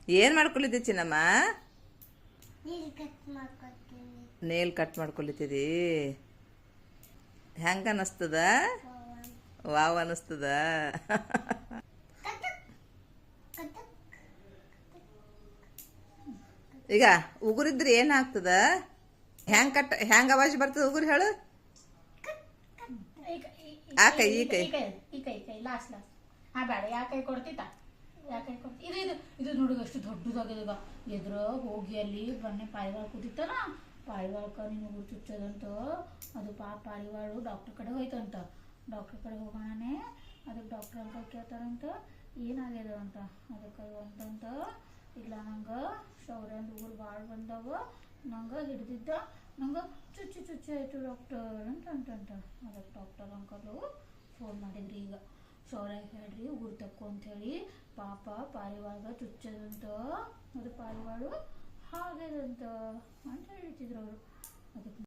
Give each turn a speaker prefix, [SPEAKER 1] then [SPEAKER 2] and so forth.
[SPEAKER 1] ಏನು ಮಾಡ್ಕೊಳಿದ್ದೆ ಚಿನ್ನಮ್ಮ? Nail cut ಮಾಡ್ಕೊಳಿತಿದಿ. ಹೆಂಗ ಅನ್ನಿಸ್ತದ? ವಾವ್ ಅನ್ನಿಸ್ತದ. ಈಗ ಉಗುರಿದ್ರೆ ಏನಾಗ್ತದ? ಹೆಂಗ ಅವಾಜ್ ಬರ್ತದ ಉಗುರು ಹೇಳು? ಆ ಕೈ ಈ ಕೈ
[SPEAKER 2] ಲಾಸ್ಟ್ ಬೇಡ. ಯಾ ಕೈ ಕೊಡ್ತಿತ್ತ? ಯಾ ಕೈ ಕೊಡ್ತಿ? ಇದು ಇದು ಇದು ನೋಡು ಎಷ್ಟು ದೊಡ್ಡದಾಗಿದೆ. ಎದುರು ಹೋಗಿ ಅಲ್ಲಿ ಬನ್ನಿ ಪಾರಿವಾಳ ಕೂತಿತ್ತಲ್ಲ, ಪಾರಿವಾಳಕ್ಕ ನೀನು ಉಗುರು ಚುಚ್ಚೋದಂತ. ಅದು ಪಾರಿವಾಳು ಡಾಕ್ಟರ್ ಕಡೆ ಹೋಯ್ತಂತ. ಡಾಕ್ಟರ್ ಕಡೆ ಹೋಗೋಣನೆ ಅದಕ್ಕೆ ಡಾಕ್ಟರ್ ಅಂಕಲ್ ಕೇಳ್ತಾರಂತ ಏನಾಗ್ಯದ ಅಂತ. ಅದಕ್ಕೆ ಅಂತಂತ ಇಲ್ಲ ನಂಗೆ ಶೌರ್ಯಂದು ಉಗುರು ಭಾಳ ಬಂದವ, ನಂಗೆ ಹಿಡ್ದಿದ್ದ ನಂಗೆ ಚುಚ್ಚು ಆಯಿತು ಡಾಕ್ಟರ್ ಅಂತಂತ. ಅದಕ್ಕೆ ಡಾಕ್ಟರ್ ಅಂಕಲು ಫೋನ್ ಮಾಡಿದ್ರಿ. ಈಗ ಶೌರ್ಯ ಹೇಳ್ರಿ ಉಗುರು ತಕ್ಕು ಅಂಥೇಳಿ, ಪಾಪ ಪಾರಿವಾಳ ಚುಚ್ಚದಂತ, ಅದು ಪಾರಿವಾಳು ಹಾಗೆದಂತ ಅಂತ ಹೇಳ್ತಿದ್ರು ಅವರು. ಅದಕ್ಕೆ